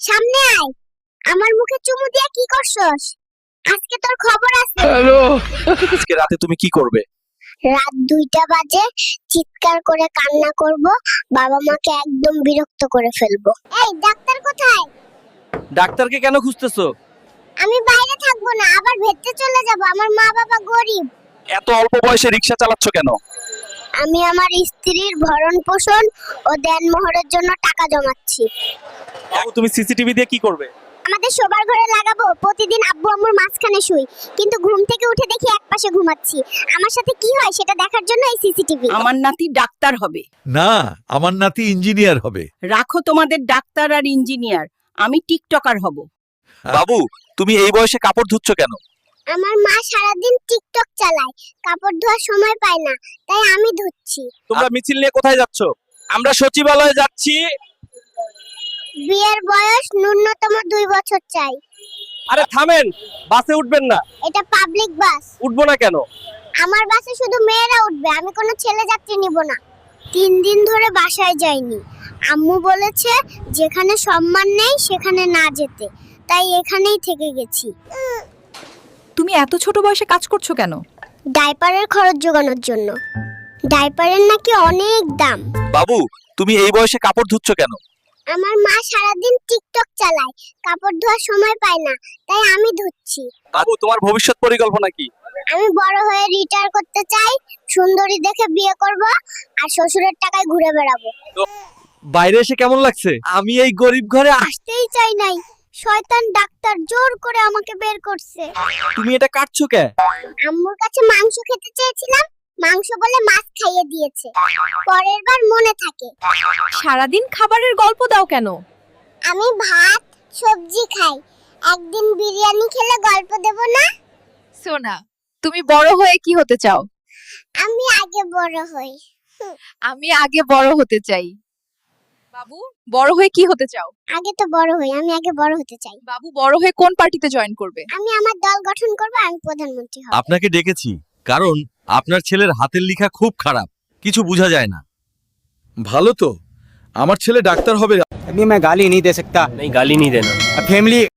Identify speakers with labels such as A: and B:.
A: সামনে আয়। আমার মুখে চুমু দিয়ে কি করছস? আজকে তোর খবর আছে।
B: হ্যালো। আজকে রাতে তুমি কি করবে?
A: রাত 2টা বাজে চিৎকার করে কান্না করব, বাবা মাকে একদম বিরক্ত করে ফেলবো। এই ডাক্তার কোথায়?
B: ডাক্তারকে কেন খুঁজতেছো?
A: আমি বাইরে থাকবো না, আবার ভেতরে চলে যাব। আমার মা বাবা গরিব।
B: এত অল্প বয়সে রিকশা চালাচ্ছ কেন?
A: আমি আমার স্ত্রীর ভরণ পোষণ ও দেনমোহরের জন্য টাকা জমাচ্ছি।
B: বাবু তুমি সিসিটিভি দিয়ে কি করবে?
A: আমাদের শোবার ঘরে লাগাবো। প্রতিদিন আব্বু আম্মুর মাঝখানে শুই, কিন্তু ঘুম থেকে উঠে দেখি একপাশে ঘুমাচ্ছি। আমার সাথে কি হয় সেটা দেখার জন্য এই সিসিটিভি।
C: আমার নাতি ডাক্তার হবে।
D: না, আমার নাতি ইঞ্জিনিয়ার হবে।
C: রাখো তোমাদের ডাক্তার আর ইঞ্জিনিয়ার, আমি টিকটকার হব।
B: বাবু তুমি এই বয়সে কাপড় ধুচ্ছ কেন?
A: আমার মা সারাদিন টিকটক চালায়, কাপড় ধোয়ার সময় পায় না, তাই আমি ধুচ্ছি।
B: তোমরা মিছিল নিয়ে কোথায় যাচ্ছ? আমরা সচিবালয়ে যাচ্ছি।
A: বিয়ের বয়স ন্যূনতম 2 বছর চাই।
B: আরে থামেন, বাসে উঠবেন না।
A: এটা পাবলিক বাস।
B: উঠবো না কেন?
A: আমার বাসে শুধু মেয়েরা উঠবে, আমি কোনো ছেলে যাত্রী নিব না। 3 দিন ধরে বাসায় যাইনি। আম্মু বলেছে যেখানে সম্মান নেই সেখানে না যেতে, তাই এখানেই থেকে গেছি।
E: তুমি এত ছোট বয়সে কাজ করছো কেন?
A: ডাইপারের খরচ জোগানোর জন্য। ডাইপারের নাকি অনেক দাম।
B: বাবু তুমি এই বয়সে কাপড় ধুচ্ছ কেন?
A: আমার মা সারাদিন টিকটক চালায়, কাপড় ধোয়ার সময় পায় না, তাই আমি ধুচ্ছি।
B: বাবু তোমার ভবিষ্যৎ পরিকল্পনা কি?
A: আমি বড় হয়ে রিটায়ার করতে চাই, সুন্দরী দেখে বিয়ে করব, আর শ্বশুরের টাকায় ঘুরে বেড়াবো।
B: বাইরে এসে কেমন লাগছে? আমি এই গরিব ঘরে
A: আসতেই চাই নাই, শয়তান ডাক্তার জোর করে আমাকে বের করছে।
B: তুমি এটা কাটছো কে?
A: আম্মুর কাছে মাংস খেতে চেয়েছিলাম, মাংস বলে মাছ খাইয়ে দিয়েছে। পরের বার মনে থাকে।
E: সারাদিন খাবারের গল্প দাও কেন?
A: আমি ভাত সবজি খাই, একদিন বিরিয়ানি খেলে গল্প দেব না?
E: সোনা, তুমি বড় হয়ে কি হতে চাও?
A: আমি আগে বড় হই।
E: আমি আগে বড় হতে চাই। বাবু, বড় হয়ে কি হতে চাও?
A: আগে তো বড় হই, আমি আগে বড় হতে চাই।
E: বাবু বড় হয়ে কোন পার্টিতে জয়েন করবে?
A: আমি আমার দল গঠন করব, আমি প্রধানমন্ত্রী হব।
D: আপনাকে ডেকেছি কারণ আপনার ছেলের হাতের লেখা খুব খারাপ, কিছু বোঝা যায় না। ভালো তো, আমার ছেলে ডাক্তার হবে।
F: अभी मैं गाली नहीं दे सकता।
G: नहीं गाली नहीं देना।
F: फैमिली